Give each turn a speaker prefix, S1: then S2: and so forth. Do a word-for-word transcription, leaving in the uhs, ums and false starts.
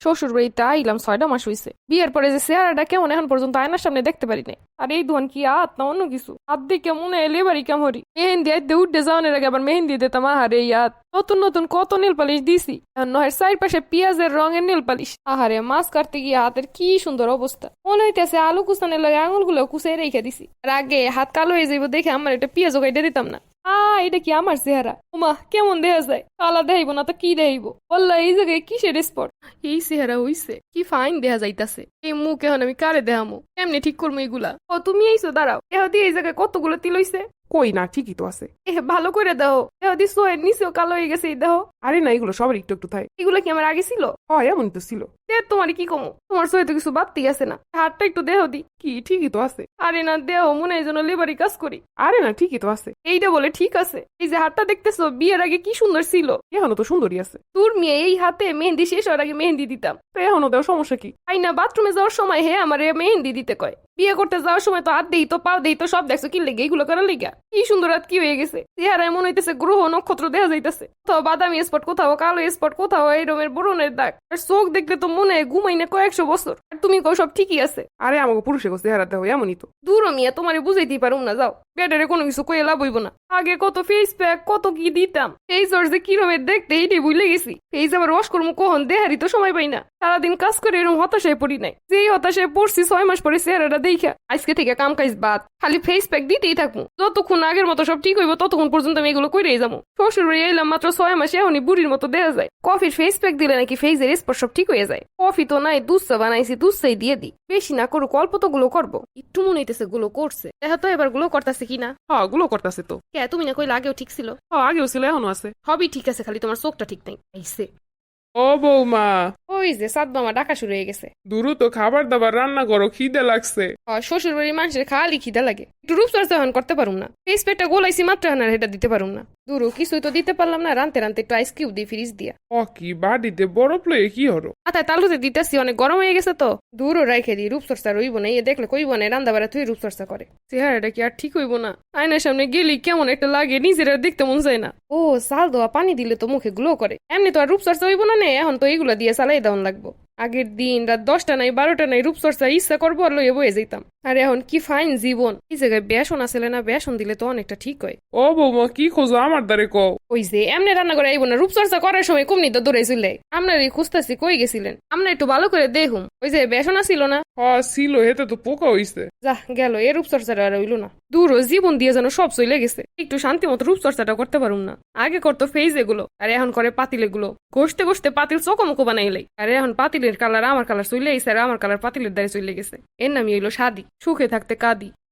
S1: শ্বশুর বাড়িতে আইলাম ছয়টা মাস হইছে। বিয়ের পরে যে চেহারাটা কেমন এখন পর্যন্ত আয়নার সামনে দেখতে পারি নাই। আর এই দোকান কি আত না অন্য কিছু? হাত দিয়ে মনে এলে বাড়ি কেমরি মেহেন্দি আইতে উঠতে যাওয়ানের আগে আবার মেহেন্দি দিতাম। আহারে ইয়াত নতুন নতুন কত নেল পালিশ দিছি। নহের চারপাশে পেঁয়াজের রঙের নেল পালিশ। আহারে মাছ কাটতে গিয়ে হাতের কি সুন্দর অবস্থা। মনে হইতেছে আলু কুচানের লাগে আঙুল গুলো কুচাই রেখে দিছি। আর আগে হাত কালো হয়ে যাইব দেখে আমার একটা পেঁয়াজও কাইটে দিতাম না। আহ এটা কি আমার চেহারা? উমা কেমন দেখা যায়? কালা দেখাইব না তো কি দেখাইব? বললা এই জায়গায় কিসের স্পট? এই চেহারা হইছে কি ফাইন দেখা যাইতাছে। এই মুখ এখন আমি কারে দেখামো? কেমনে ঠিক করবো এগুলা? ও তুমি আইসো, দাঁড়াও। এহ দিয়ে এই জায়গায় কতগুলো তিল হইছে।
S2: কই না, ঠিকই তো আছে।
S1: এহ ভালো করে দাও। এহ দি সোয়ের নিচেও কালো হয়ে গেছে এই দেহ।
S2: আরে না, এগুলো সবার একটু একটু থাকে।
S1: এগুলো কি আমার আগে ছিল?
S2: হয় এমন তো ছিল।
S1: তোমার কি কমো? তোমার সোয়ে তো কিছু বাড়তি আছে না? হাতটা একটু দেহ দি।
S2: কি ঠিকই তো আছে।
S1: আরে না দেহ, মনে হয় যেন লেবারি কাজ করি।
S2: আরে না, ঠিকই তো আছে।
S1: এইটা বলে ঠিক আছে? এই যে হাতটা দেখতেছো বিয়ের আগে কি সুন্দর ছিল।
S2: এখনো তো সুন্দরী আছে।
S1: তোর মেয়ে এই হাতে মেহেন্দি শেষ হওয়ার আগে মেহেন্দি দিতাম।
S2: তো এখনো দেওয়ার সমস্যা কি?
S1: আই না বাথরুমে যাওয়ার সময় হে আমার মেহেন্দি দিতে কয়। বিয়ে করতে যাওয়ার সময় তো হাত দেই তো পাও দেই তো সব দেখছো কি লেগে এইগুলো করার লেগা। কি সুন্দর হাত কি হয়ে গেছে। চেহারায় মনে হইতেছে গ্রহ নক্ষত্র দেখা যাইতেছে। কোথাও বাদামি স্পট, কোথাও কালো স্পট, কোথাও এই রকমের বরণের দাগ। আর চোখ দেখলে তো মনে হয় ঘুমাই না কয়েকশো বছর। আর তুমি কও সব ঠিকই আছে।
S2: আরে আমাকে পুরুষে গোছে চেহারা দেওয়া এমনই তো।
S1: দূর মিয়া, তোমারে বুঝাইতেই পারুম না, যাও। বেটারে কোনো কিছু কয়ে লাভ হইব না। আগে কত ফেস প্যাক কত কি দিতাম। ফেস ওর যে কিরমের দেখতে এইটাই ভুলে গেছি। ফেস আবার ওয়াশ করবো কখন, দেহারি তো সময় পাই না। সারাদিন কাজ করে এরকম হতাশায় পড়ি নাই। যেই হতাশায় পড়ছি ছয় মাস পরে চেহারাটা দেখা আজকে থেকে কাম কাজ বাদ, খালি ফেস প্যাক দিতেই থাকবো। যতক্ষণ আগের মতো সব ঠিক হইব ততক্ষণ পর্যন্ত আমি এগুলো করেই যাবো। শ্বশুর বাড়ি এলাম মাত্র ছয় মাসে, এখনই বুড়ির মতো দেখা যায়। কফির ফেস প্যাক দিলে নাকি ফেসের স্পট সব ঠিক হয়ে যায়। কফি তো নাই, দুধ চা বানাইছি, দুধ চাই দিয়ে দিই। বেশি না করুক, অল্প তো গুলো করবো। একটু মনে হইতেছে গুলো করছে। দেখা তো এবার গুলো করতেছে কিনা।
S2: হ্যাঁ গুলো করতেছে তো।
S1: কে তুমি না কইলে আগেও ঠিক ছিল?
S2: হ্যাঁ আগেও ছিল এখনো আছে।
S1: সবই ঠিক আছে, খালি তোমার চোখটা ঠিক নাই। আইসে
S2: ও বৌমা,
S1: ওই যে সাত মামা ডাকা শুরু হয়ে গেছে।
S2: দ্রুত খাবার দাবার রান্না করো, খিদে লাগছে।
S1: শ্বশুর বাড়ির মানুষের খালি খিদা লাগে। একটু রূপচর্চা হন করতে পারুম না। ফেস প্যাকটা গোলাইছি মাত্র হানার এটা দিতে পারুম না। দূরও কিছুই তো দিতে পারলাম না। রানতে রানতে একটু আইস কিউব দিই ফ্রিজ দিয়া।
S2: ও কি বাড়িতে বরফ লয়ে কি হলো?
S1: মাথায় তালুতে দিতেছি, অনেক গরম হয়ে গেছে তো। দূরও রাইখে দিই, রূপচর্চা রইব না। এ দেখলে কইব না রান্না বাড়া তুই রূপচর্চা করে। চেহারাটা কি আর ঠিক হইব না? আয়নার সামনে গেলি কেমন একটা লাগে, নিজের আর দেখতে মন চায় না। ও চাল দেওয়া পানি দিলে তো মুখে গ্লো করে। এমনি তো আর রূপচর্চা হইব না, নে এখন তো এইগুলা দিয়ে চালাই দেওয়ান লাগবো। আগের দিন রাত দশটা নাই বারোটা নাই রূপচর্চা ইচ্ছা করবো আর লইয়ে বয়ে যেতাম। আর এখন কি ফাইন জীবন। এই জায়গায় বেসন আসলে না, বেসন দিলে তো অনেকটা ঠিক হয়।
S2: ও বৌমা কি খোঁজো আমার দ্বারে কও?
S1: ওই যে এমনি রান্না করে আইব না, রূপচর্চা করার সময় কুমনি তো দৌড়ে চলে। আপনার এই খুঁজতাছি কই গেছিলেন? আমরা একটু ভালো করে দেখুন। ওই যে বেসন আসিল না?
S2: হ্যাঁ ছিল, হেতে তো পোকা হইছে।
S1: যা গেল, এ রূপচর্চাটা আর হইল না। দূর জীবন দিয়ে যেন সব চলে গেছে। একটু শান্তি মতো রূপচর্চাটা করতে পারুম না। আগে করতো ফেজ এগুলো, আর এখন করে পাতিল এগুলো। ঘষতে ঘষতে পাতিল চকমকো বানাইলাই। আর এখন পাতিলের কালার আমার কালার চলে আইসে, আর আমার কালার পাতিলের দ্বারে চলে গেছে। এর নামই হইলো শাদি। সুখে থাকতে কাঁদি।